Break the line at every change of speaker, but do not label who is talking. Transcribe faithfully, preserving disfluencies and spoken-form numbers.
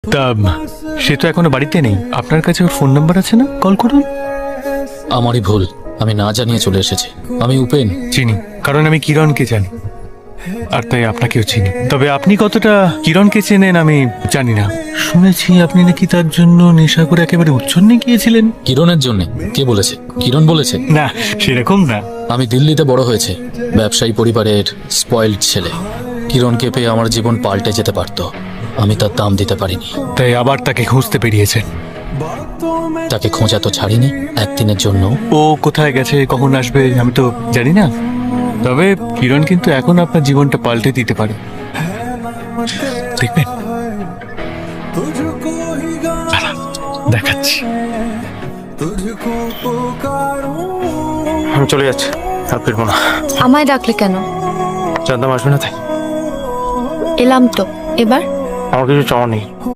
তা সে তো এখনো বাড়িতে নেই, আপনার কাছে ওর ফোন নাম্বার আছে না? কল করুন।
আমারই ভুল, আমি না জানিয়ে চলে এসেছি। আমি উপেন।
চিনি, কারণ আমি কিরণকে জানি, আর তাই আপনাকেও চিনি। তবে আপনি কতটা কিরণকে চেনেন আমি জানি না। শুনেছি আপনি নাকি তার জন্য নেশা করে একেবারে উচ্ছন্নে গিয়েছিলেন।
কিরণের জন্য? কে বলেছে? কিরণ বলেছে?
না, সেরকম না।
আমি দিল্লিতে বড় হয়েছে, ব্যবসায়ী পরিবারের স্পয়েলড ছেলে। কিরণকে পেয়ে আমার জীবন পাল্টে যেতে পারত, আমি তার দাম দিতে পারিনি।
তাই আবার তাকে খুঁজতে বেরিয়েছেন।
তাকে খোঁজা তো ছাড়িনি একদিনের জন্য।
ও কোথায় গেছে, কখন আসবে আমি তো জানি না। তবে কিরণ কিন্তু এখন আপনার জীবনটা পাল্টে দিতে পারে, দেখবেন। দাঁড়ান, দেখাচ্ছি।
আমি চলে যাচ্ছি, আর ফিরবো না।
আমায় ডাকলে কেন?
জানতাম আসবে না তাই।
এলাম তো, এবার
আমার কিছু চাওয়া নেই।